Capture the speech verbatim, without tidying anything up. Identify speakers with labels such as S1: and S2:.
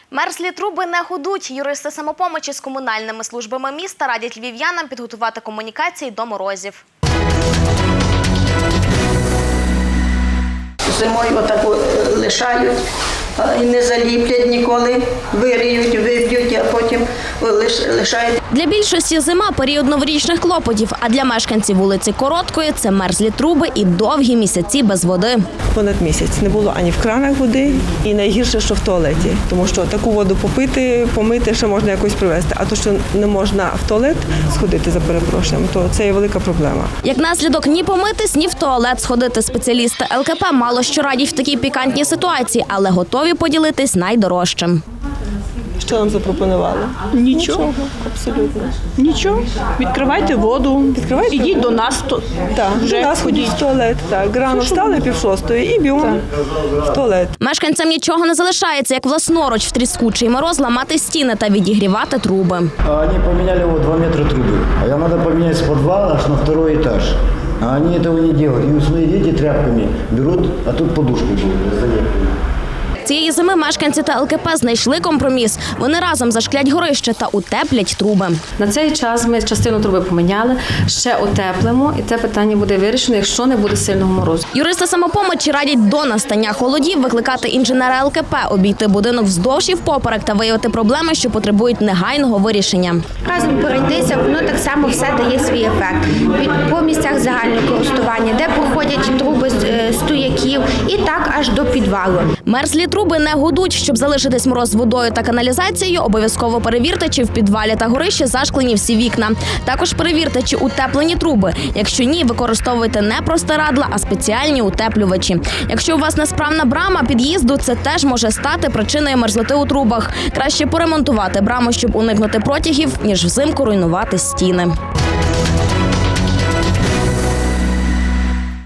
S1: Мерзлі труби не гудуть. Юристи самопомочі з комунальними службами міста радять львів'янам підготувати комунікації до морозів.
S2: Зимою отаку лишають і не заліплять ніколи, вириють, виб'ють, а потім лишають.
S1: Для більшості зима – період новорічних клопотів, а для мешканців вулиці Короткої – це мерзлі труби і довгі місяці без води.
S3: Понад місяць не було ані в кранах води, і найгірше, що в туалеті. Тому що таку воду попити, помити ще можна якось привезти. А то, що не можна в туалет сходити, за перепрошенням, то це є велика проблема.
S1: Як наслідок, ні помитись, ні в туалет сходити. Спеціалісти ел ке пе мало що радять в такій пікантній ситуації, але готові поділитись найдорожчим.
S3: Що нам запропонували?
S4: Нічого.
S3: Нічого, абсолютно.
S4: Нічого. Відкривайте воду,
S3: Відкривайте
S4: ідіть
S3: воду.
S4: до нас. То...
S3: Так,
S4: Вже
S3: до нас ходіть
S4: ходіть.
S3: в туалет. Так, рано встали пів шостої і бігом в туалет.
S1: Мешканцям нічого не залишається, як власноруч в тріскучий мороз ламати стіни та відігрівати труби.
S5: Они поменяли вот два метра трубы, а я надо поменять с подвала аж на второй этаж. А они этого не делают. И свои дети тряпками берут, а тут подушку залепили.
S1: Цієї зими мешканці та ел ке пе знайшли компроміс. Вони разом зашклять горище та утеплять труби.
S6: На цей час ми частину труби поміняли, ще утеплимо, і це питання буде вирішено, якщо не буде сильного морозу.
S1: Юристи самопомочі радять до настання холодів викликати інженера ел ке пе, обійти будинок вздовж і впоперек та виявити проблеми, що потребують негайного вирішення.
S7: Разом пройтися, воно так само все дає свій ефект. Від- По місцях загального користування, де проходять труби з е, стояків і так аж до підвалу.
S1: Мерзлі труби не гудуть. Щоб залишитись мороз з водою та каналізацією, обов'язково перевірте, чи в підвалі та горищі зашклені всі вікна. Також перевірте, чи утеплені труби. Якщо ні, використовуйте не простирадла, а спеціальні утеплювачі. Якщо у вас несправна брама під'їзду, це теж може стати причиною мерзлоти у трубах. Краще поремонтувати браму, щоб уникнути протягів, ніж взимку руйнувати стіни.